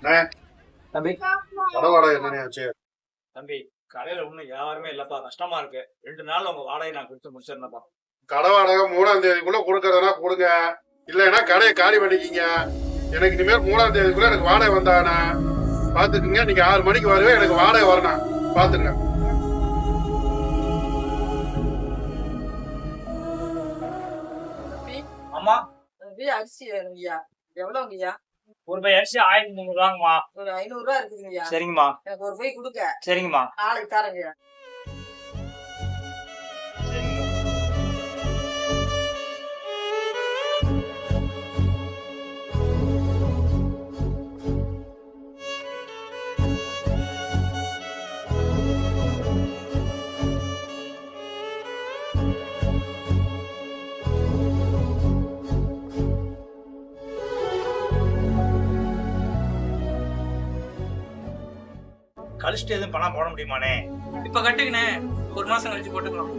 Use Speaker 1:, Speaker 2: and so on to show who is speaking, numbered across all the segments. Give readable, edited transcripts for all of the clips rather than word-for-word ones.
Speaker 1: தம்பி
Speaker 2: கடை வாடகை என்னன்னு ஆச்சு?
Speaker 1: தம்பி கடையில ஒண்ணும் யாருமே இல்லப்பா, கஷ்டமா இருக்கு. 2 நாள் உங்க வாடகை நான் கொடுத்து முடிச்சிடறேன்ப்பா.
Speaker 2: கடை வாடகை 3ஆம் தேதிக்குள்ள கொடுக்கறதுனா கொடுங்க, இல்லைன்னா கடையை காலி பண்ணிக்கிங்க. எனக்கு இனிமேல் 3ஆம் தேதிக்குள்ள எனக்கு வாடகை வந்தானா பாத்துக்குங்க. நீங்க 6 மணிக்கு வருவேன், எனக்கு வாடகை வரணும் பாத்துங்க.
Speaker 1: அம்மா
Speaker 3: அரிசி வேணுங்கய்யா. எவ்வளவுங்கய்யா?
Speaker 1: ஒரு பை அரிசி 1300 ரூபாங்கம்மா.
Speaker 3: ஒரு 500 ரூபா இருக்குதுங்கய்யா.
Speaker 1: சரிங்கம்மா.
Speaker 3: எனக்கு ஒரு பை கொடுங்க.
Speaker 1: சரிங்கம்மா.
Speaker 3: நாளைக்கு தரேங்கய்யா.
Speaker 1: கழிச்சுட்டு எதுவும் பணம் போட முடியுமானே?
Speaker 4: இப்ப கட்டுங்கண்ணே, 1 மாசம் கழிச்சு போட்டுக்கலாம்.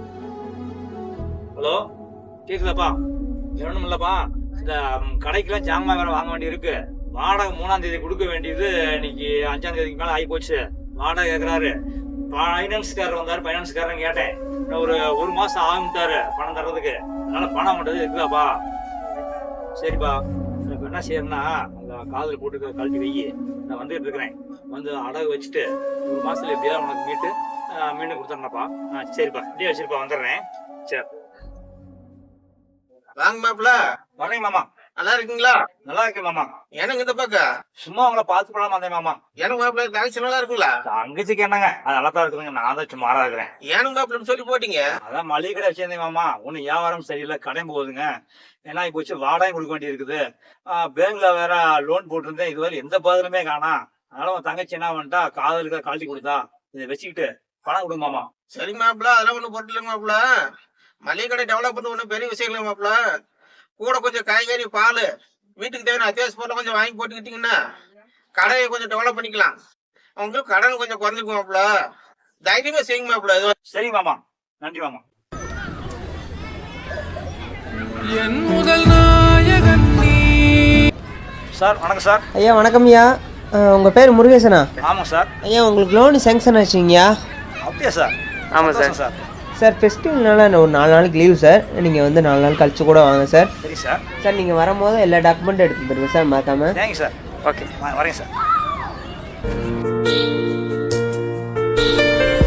Speaker 1: ஹலோ, கேக்குதாப்பா? வேணும் இல்லப்பா, இந்த கடைக்கெல்லாம் ஜாமான் வேற வாங்க வேண்டி இருக்கு. வாடகை 3ஆம் தேதி கொடுக்க வேண்டியது இன்னைக்கு 5ஆம் தேதிக்கு மேல ஆகி போச்சு. வாடகை கேட்கறாரு. பைனான்ஸ்காரர் வந்தாரு, பைனான்ஸ்காரன் கேட்டேன், ஒரு மாசம் ஆகும்ட்டாரு பணம் தர்றதுக்கு. அதனால பணம் மட்டும் இருக்குதாப்பா? சரிப்பா, இப்ப என்ன செய்யறேன்னா அந்த காதில் போட்டு கழட்டி வை, நான் வந்துட்டு இருக்கிறேன். வந்து அடகு வச்சுட்டு 1 மாசத்துல எப்படியாவது உனக்கு மீண்டும் கொடுத்துறேன்ப்பா. சரிப்பா, இப்படியே வச்சிருப்பா, வந்துடுறேன். சரி
Speaker 5: வாங்க மாப்பிள்ள.
Speaker 1: வரேங்க மாமா.
Speaker 5: நல்லா இருக்கீங்களா?
Speaker 1: நல்லா இருக்கேன் மாமா.
Speaker 5: எனக்கு இந்த பக்கம்
Speaker 1: சும்மா உங்களை பார்த்து போலாமா வந்தேன் மாமா.
Speaker 5: எனக்கு மாப்பிள்ள தங்கச்சி நல்லா இருக்குங்களா?
Speaker 1: தங்கச்சிக்கு என்னங்க, அது நல்லா தான் இருக்குதுங்க. நான் தான் சும்மாரா இருக்கிறேன்.
Speaker 5: ஏனுங்க மாப்பிள்ளன்னு சொல்லி போட்டீங்க?
Speaker 1: அதான் மளிகை கடை வச்சிருந்தேன் மாமா. ஒன்னும் வியாபாரம் சரியில்லை, கடையும் போகுதுங்க. ஏன்னா இப்போ வச்சு வாடகை கொடுக்க வேண்டி இருக்குது. பேங்க்ல வேற லோன் போட்டிருந்தேன், இதுவரை எந்த பதிலுமே காணா. அதனால உன் தங்கச்சி என்ன பண்ணிட்டா, காதலுக்கு கழட்டி கொடுத்தா, இதை வச்சுக்கிட்டு பணம் கொடுங்க மாமா.
Speaker 5: சரி மாப்பிள்ள, அதெல்லாம் ஒண்ணும் பொருள் இல்லைங்க மாப்பிள்ள. மளிகை கடை டெவலப் பண்ண ஒன்றும் பெரிய விஷயம் இல்லை மாப்பிள்ள. கூட கொஞ்சம் காய்கறி, பால், வீட்டுக்கு தேவையான அத்தியாவசிய பொருளை கொஞ்சம் வாங்கி போட்டுக்கிட்டீங்கன்னா கடையை கொஞ்சம் டெவலப் பண்ணிக்கலாம். உங்களுக்கு கடன் கொஞ்சம் குறைஞ்சிக்கும் மாப்பிள்ள. தைரியமா செய்யுங்க மாப்பிள்ள.
Speaker 1: சரி மாமா, நன்றி மாமா.
Speaker 4: என் முதல் நாயகன் நீ.
Speaker 1: சார் வணக்கம் சார்.
Speaker 6: ஐயா வணக்கம் ஐயா. உங்கள் பேர் முருகேசனா?
Speaker 1: ஆமாம் சார்.
Speaker 6: ஐயா உங்களுக்கு லோனு சேங்ஷன் ஆச்சுங்கய்யா.
Speaker 1: அப்படியா சார்?
Speaker 6: ஆமாம் சார். சார் ஃபெஸ்டிவல்னால ஒரு 4 நாளைக்கு லீவு சார். நீங்கள் வந்து 4 நாள் கழிச்சு கூட வாங்க சார்.
Speaker 1: சரி சார்.
Speaker 6: சார் நீங்கள் வரும்போது எல்லா டாக்குமெண்ட்டும் எடுத்து தருங்க சார், மறக்காம.
Speaker 1: Thank you sir. ஓகே வரேங்க சார்.